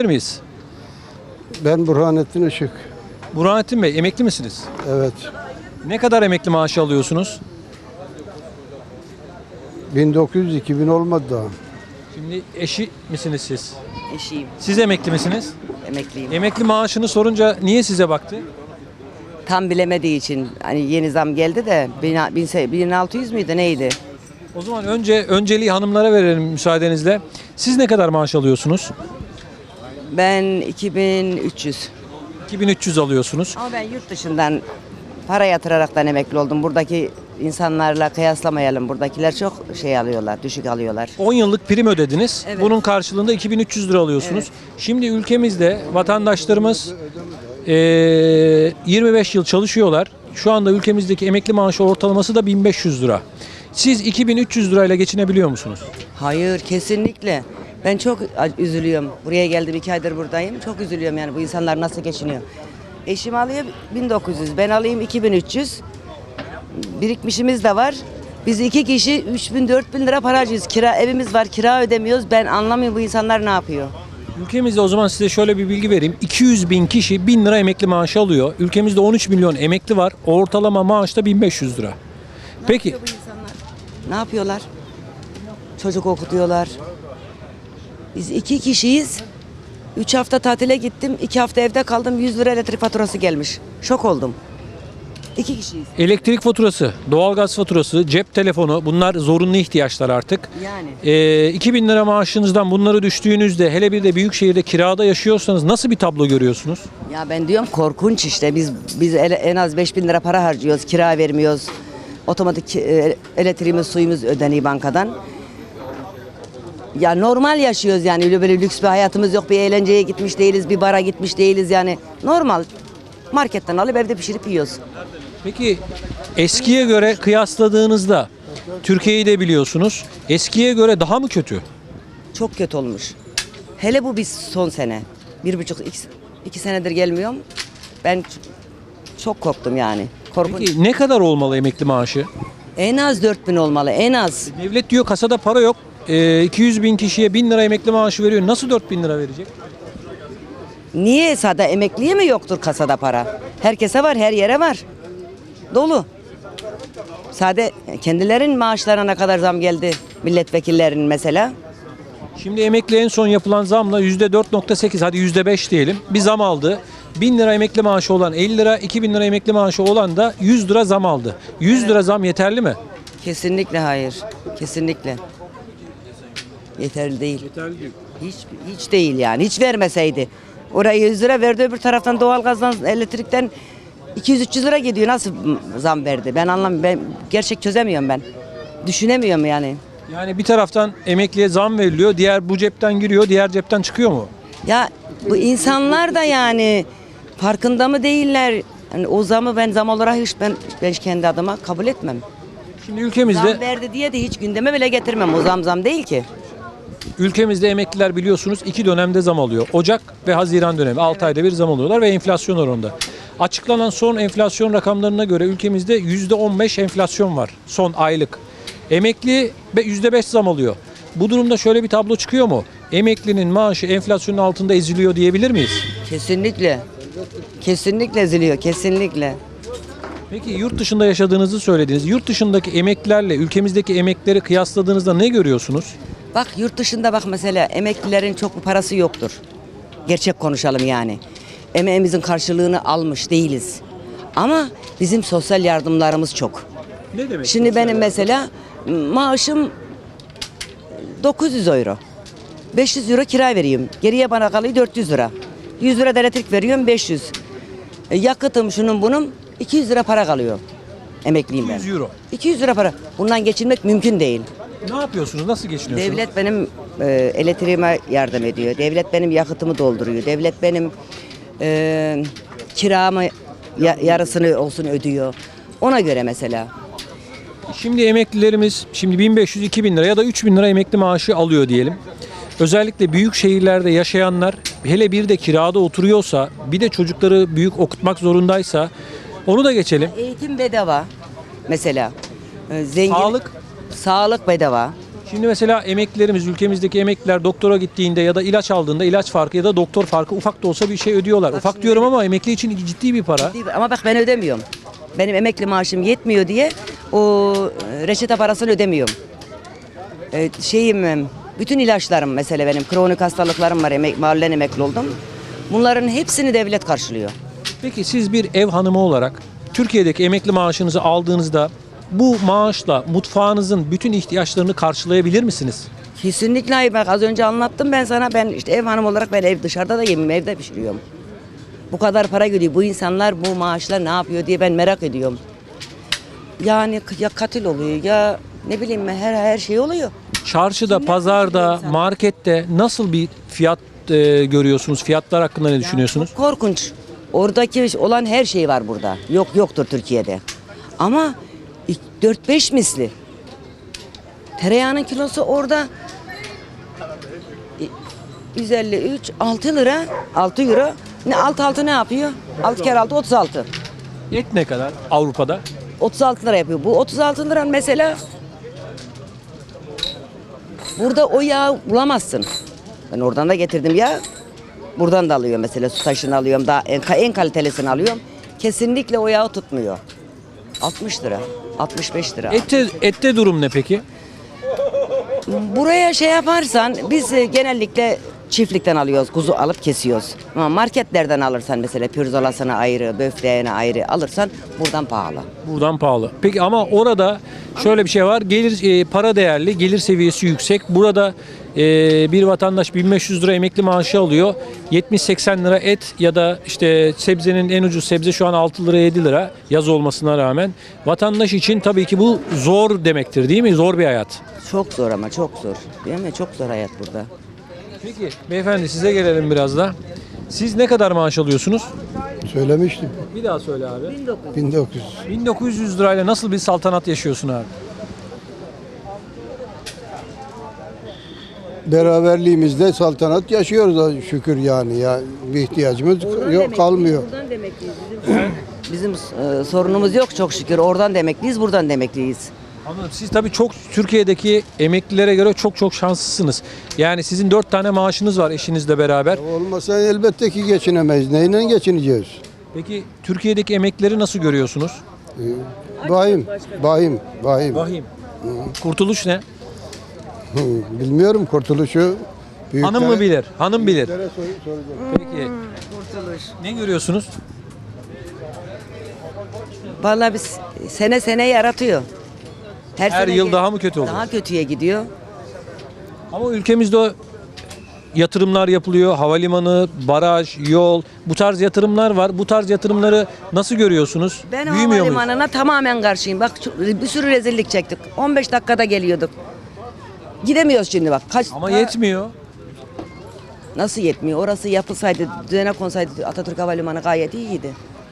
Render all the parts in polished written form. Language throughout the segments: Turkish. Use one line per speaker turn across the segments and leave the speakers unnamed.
Miyiz?
Ben Burhanettin Işık.
Burhanettin Bey, emekli misiniz?
Evet.
Ne kadar emekli maaşı alıyorsunuz?
1900-2000 olmadı daha.
Şimdi eşi misiniz siz?
Eşiyim,
Siz emekli misiniz?
emekliyim.
Emekli maaşını sorunca niye size baktı?
Tam bilemediği için hani yeni zam geldi de 1600 müydü neydi?
O zaman önceliği hanımlara verelim müsaadenizle. Siz ne kadar maaş alıyorsunuz?
Ben 2300.
2300 alıyorsunuz.
Ama ben yurt dışından para yatıraraktan emekli oldum. Buradaki insanlarla kıyaslamayalım. Buradakiler çok şey alıyorlar, düşük alıyorlar.
10 yıllık prim ödediniz.
Evet.
Bunun karşılığında 2300 lira alıyorsunuz. Şimdi ülkemizde vatandaşlarımız 25 yıl çalışıyorlar. Şu anda ülkemizdeki emekli maaşı ortalaması da 1500 lira. Siz 2300 lirayla geçinebiliyor musunuz?
Hayır, kesinlikle. Ben çok üzülüyorum. Buraya geldim, 2 aydır buradayım. Çok üzülüyorum yani bu insanlar nasıl geçiniyor. Eşim alıyor 1900, ben alayım 2300. Birikmişimiz de var. Biz 2 kişi 3000-4000 lira para harcıyoruz. Evimiz var, kira ödemiyoruz. Ben anlamıyorum bu insanlar ne yapıyor.
Ülkemizde o zaman size şöyle bir bilgi vereyim. 200 bin kişi 1000 lira emekli maaşı alıyor. Ülkemizde 13 milyon emekli var. Ortalama maaş da 1500 lira. Peki
Ne yapıyorlar? Çocuk okutuyorlar. Biz 2 kişiyiz. 3 hafta tatile gittim. 2 hafta evde kaldım. 100 lira elektrik faturası gelmiş. Şok oldum. 2 kişiyiz.
elektrik faturası, doğalgaz faturası, cep telefonu bunlar zorunlu ihtiyaçlar artık.
Yani.
2000 lira maaşınızdan bunları düştüğünüzde hele bir de büyük şehirde kirada yaşıyorsanız nasıl bir tablo görüyorsunuz?
Ya ben diyorum korkunç işte. Biz en az 5000 lira para harcıyoruz. Kira vermiyoruz. Otomatik elektriğimiz, suyumuz ödeniyor bankadan. Ya normal yaşıyoruz yani. Öyle böyle lüks bir hayatımız yok. Bir eğlenceye gitmiş değiliz. Bir bara gitmiş değiliz yani. Normal. Marketten alıp evde pişirip yiyoruz.
Peki eskiye göre kıyasladığınızda Türkiye'yi de biliyorsunuz. Eskiye göre daha mı kötü?
Çok kötü olmuş. Hele bu biz son sene. 1,5-2 senedir gelmiyorum. Ben çok korktum yani. Korkunç.
Peki ne kadar olmalı emekli maaşı?
En az 4000 olmalı, en az.
Devlet diyor kasada para yok. 200 bin kişiye 1000 lira emekli maaşı veriyor. Nasıl 4000 lira verecek?
Niye sade emekliye mi yoktur kasada para? Herkese var, her yere var. Dolu. Sade kendilerin maaşlarına ne kadar zam geldi milletvekillerinin mesela?
Şimdi emekli en son yapılan zamla %4,8 hadi %5 diyelim bir zam aldı. 1000 lira emekli maaşı olan 50 lira, 2000 lira emekli maaşı olan da 100 lira zam aldı. 100 lira zam yeterli mi?
Kesinlikle hayır. Kesinlikle. Yeterli değil.
Yeterli değil.
Hiç değil yani. Hiç vermeseydi. Oraya 100 lira verdi, öbür taraftan doğalgazdan, elektrikten 200-300 lira gidiyor. Nasıl zam verdi? Ben anlamıyorum. Ben gerçek çözemiyorum ben. Düşünemiyorum yani.
Yani bir taraftan emekliye zam veriliyor, diğer bu cepten giriyor, diğer cepten çıkıyor mu?
Ya bu insanlar da yani farkında mı değiller? Yani o zamı ben zam olarak ben kendi adıma kabul etmem.
Şimdi ülkemizde
Zam verdi diye de hiç gündeme bile getirmem. O zam değil ki.
emekliler biliyorsunuz 2 dönemde zam alıyor. Ocak ve Haziran dönemi 6 ayda bir zam alıyorlar ve enflasyon oranında. Açıklanan son enflasyon rakamlarına göre ülkemizde %15 enflasyon var son aylık. Emekli %5 zam alıyor. Bu durumda şöyle bir tablo çıkıyor mu? Emeklinin maaşı enflasyonun altında eziliyor diyebilir miyiz?
Kesinlikle. Kesinlikle eziliyor. Kesinlikle.
Peki yurt dışında yaşadığınızı söylediniz. Yurt dışındaki emeklilerle ülkemizdeki emeklileri kıyasladığınızda ne görüyorsunuz?
Bak yurt dışında bak mesela emeklilerin çok bir parası yoktur. Gerçek konuşalım yani. Emeğimizin karşılığını almış değiliz. Ama bizim sosyal yardımlarımız çok.
Ne demek?
Şimdi benim mesela maaşım 900 euro. 500 euro kira veriyorum. Geriye bana kalıyor 400 lira. 100 lira da elektrik veriyorum 500. Yakıtım şunun bunun 200 lira para kalıyor. Emekliyim ben.
200 euro.
200 lira para. Bundan geçinmek mümkün değil.
Ne yapıyorsunuz? Nasıl geçiniyorsunuz?
Devlet benim elektriğime yardım ediyor. Devlet benim yakıtımı dolduruyor. Devlet benim kiramı yarısını olsun ödüyor. Ona göre mesela.
Şimdi emeklilerimiz 1500-2000 lira ya da 3000 lira emekli maaşı alıyor diyelim. Özellikle büyük şehirlerde yaşayanlar hele bir de kirada oturuyorsa bir de çocukları büyük okutmak zorundaysa onu da geçelim.
Eğitim bedava mesela. Zengin,
Sağlık.
Sağlık bedava.
Şimdi mesela emeklilerimiz, ülkemizdeki emekliler doktora gittiğinde ya da ilaç aldığında ilaç farkı ya da doktor farkı ufak da olsa bir şey ödüyorlar. Ufak
şimdi
diyorum ama emekli için ciddi bir para.
Ama bak ben ödemiyorum. Benim emekli maaşım yetmiyor diye o reçete parasını ödemiyorum. Bütün ilaçlarım mesela benim kronik hastalıklarım var. Mahallen emekli oldum. Bunların hepsini devlet karşılıyor.
Peki siz bir ev hanımı olarak Türkiye'deki emekli maaşınızı aldığınızda bu maaşla mutfağınızın bütün ihtiyaçlarını karşılayabilir misiniz?
Kesinlikle hayır. Bak az önce anlattım ben sana. Ben işte ev hanım olarak ben ev dışarıda da yemeyim, evde pişiriyorum. Bu kadar para gidiyor. Bu insanlar bu maaşla ne yapıyor diye ben merak ediyorum. Yani ya katil oluyor ya ne bileyim ben her şey oluyor.
Çarşıda, pazarda, markette nasıl bir fiyat görüyorsunuz? Fiyatlar hakkında ne düşünüyorsunuz?
Çok korkunç. Oradaki olan her şey var burada. Yoktur Türkiye'de. Ama 4-5 misli. Tereyağının kilosu orada 153, 6 lira, 6 euro. Ne 6 ne yapıyor? 6 kere 6 36.
Et ne kadar Avrupa'da?
36 lira yapıyor. Bu 36 lira mesela burada o yağı bulamazsın. Ben oradan da getirdim ya. Buradan da alıyorum mesela su taşını alıyorum. Daha en kalitelisini alıyorum. Kesinlikle o yağı tutmuyor. 60 lira, 65 lira.
Ette durum ne peki?
Buraya şey yaparsan biz genellikle çiftlikten alıyoruz. Kuzu alıp kesiyoruz. Ama marketlerden alırsan mesela pirzolasını ayrı, böfleğini ayrı alırsan buradan pahalı.
Buradan pahalı. Peki ama orada şöyle bir şey var. Gelir para değerli, gelir seviyesi yüksek. Burada bir vatandaş 1500 lira emekli maaşı alıyor. 70-80 lira et ya da işte sebzenin en ucuz sebze şu an 6 lira 7 lira yaz olmasına rağmen. Vatandaş için tabii ki bu zor demektir değil mi? Zor bir hayat.
Çok zor ama çok zor. Değil mi? Çok zor hayat burada.
Peki beyefendi size gelelim biraz da. Siz ne kadar maaş alıyorsunuz?
Söylemiştim.
Bir daha söyle abi.
1900.
1900 lirayla nasıl bir saltanat yaşıyorsun abi?
Beraberliğimizde saltanat yaşıyoruz da şükür yani ya bir ihtiyacımız yok kalmıyor.
Buradan demekliyiz. Bizim sorunumuz yok çok şükür. Oradan demekliyiz, buradan demekliyiz.
Anladım. Siz tabii çok Türkiye'deki emeklilere göre çok şanslısınız. Yani sizin 4 tane maaşınız var eşinizle beraber.
Olmasa elbette ki geçinemeyiz. Neyle geçineceğiz?
Peki Türkiye'deki emeklileri nasıl görüyorsunuz?
Vahim.
Vahim. Kurtuluş ne?
Bilmiyorum kurtuluşu.
Hanım mı bilir? Hanım bilir.
Büyüklere soracağım.
Peki
Kurtuluş.
ne görüyorsunuz?
Vallahi biz sene yaratıyor.
Her
sene
yıl daha mı kötü oluyor?
Daha kötüye gidiyor.
Ama ülkemizde o yatırımlar yapılıyor. Havalimanı, baraj, yol bu tarz yatırımlar var. Bu tarz yatırımları nasıl görüyorsunuz?
Ben
Büyümüyor muyuz?
havalimanına tamamen karşıyım. Bak bir sürü rezillik çektik. 15 dakikada geliyorduk. Gidemiyoruz şimdi bak.
Ama yetmiyor.
Nasıl yetmiyor? Orası yapılsaydı, düzene konsaydı Atatürk Havalimanı gayet iyiydi.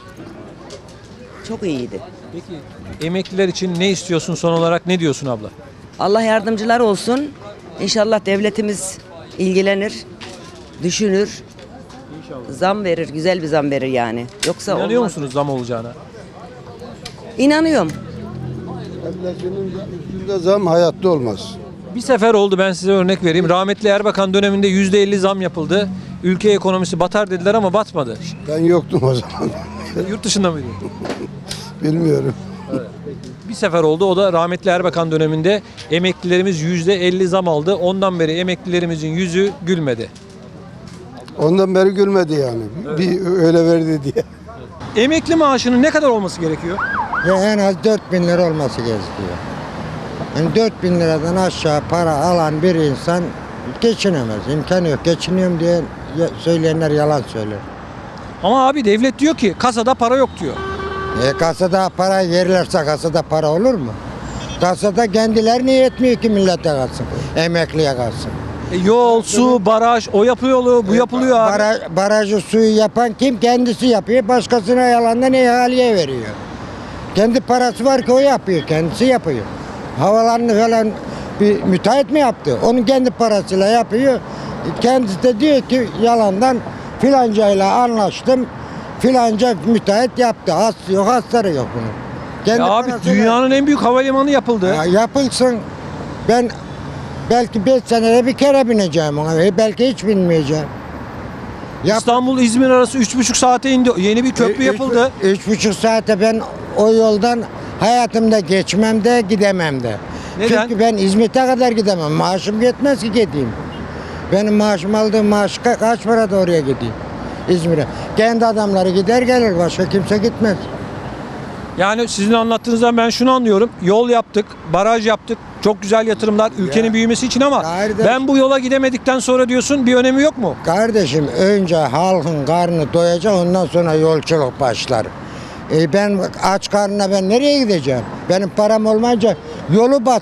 Çok iyiydi.
Peki emekliler için ne istiyorsun son olarak? Ne diyorsun abla?
Allah yardımcılar olsun. İnşallah devletimiz ilgilenir, düşünür. Zam verir, güzel bir zam verir yani. Yoksa
İnanıyor
olmaz.
musunuz zam olacağına?
İnanıyorum.
Enflasyonun üstünde zam hayatta olmaz.
Bir sefer oldu, ben size örnek vereyim. Rahmetli Erbakan döneminde %50 zam yapıldı. Ülke ekonomisi batar dediler ama batmadı.
Ben yoktum o zaman.
Yurt dışında mıydı?
Bilmiyorum.
Bir sefer oldu, o da rahmetli Erbakan döneminde emeklilerimiz %50 zam aldı. Ondan beri emeklilerimizin yüzü gülmedi.
Ondan beri gülmedi yani. Bir öyle verdi diye.
Emekli maaşının ne kadar olması gerekiyor?
Ya en az 4.000 lira olması gerekiyor. Yani 4.000 liradan aşağı para alan bir insan geçinemez. İmkanı yok. Geçiniyorum diye söyleyenler yalan söyler.
Ama abi devlet diyor ki kasada para yok diyor.
Kasada para verirlerse kasada para olur mu? Kasada kendilerine yetmiyor ki millete kalsın. Emekliye kalsın.
Yol, su, baraj, o yapıyor, bu yapılıyor abi.
Barajı suyu yapan kim? Kendisi yapıyor. Başkasına yalandan ihaleye veriyor. Kendi parası var ki o yapıyor. Kendisi yapıyor. Havalarını falan bir müteahhit mi yaptı? Onun kendi parasıyla yapıyor. Kendisi de diyor ki yalandan filancayla anlaştım. Filanca müteahhit yaptı. Hastası yok, hastaları yok bunun. Kendi
Ya abi
parasıyla-
dünyanın en büyük havalimanı yapıldı.
Ya yapılsın. Ben Belki 5 senede bir kere bineceğim ona. Belki hiç binmeyeceğim.
İstanbul-İzmir arası 3,5 saate indi. Yeni bir köprü yapıldı.
3,5 saate ben o yoldan hayatımda geçmem de gidemem de.
Neden?
Çünkü ben İzmit'e kadar gidemem. Maaşım yetmez ki gideyim. Benim maaşım aldığım maaş kaç para da oraya gideyim İzmir'e. Kendi adamları gider gelir, başka kimse gitmez.
Yani sizin anlattığınızdan ben şunu anlıyorum. Yol yaptık, baraj yaptık. Çok güzel yatırımlar ülkenin büyümesi için ama
Kardeş.
ben bu yola gidemedikten sonra diyorsun bir önemi yok mu?
Kardeşim önce halkın karnı doyacak, ondan sonra yolculuk başlar. Ben aç karnına ben nereye gideceğim? Benim param olmayınca yolu bat.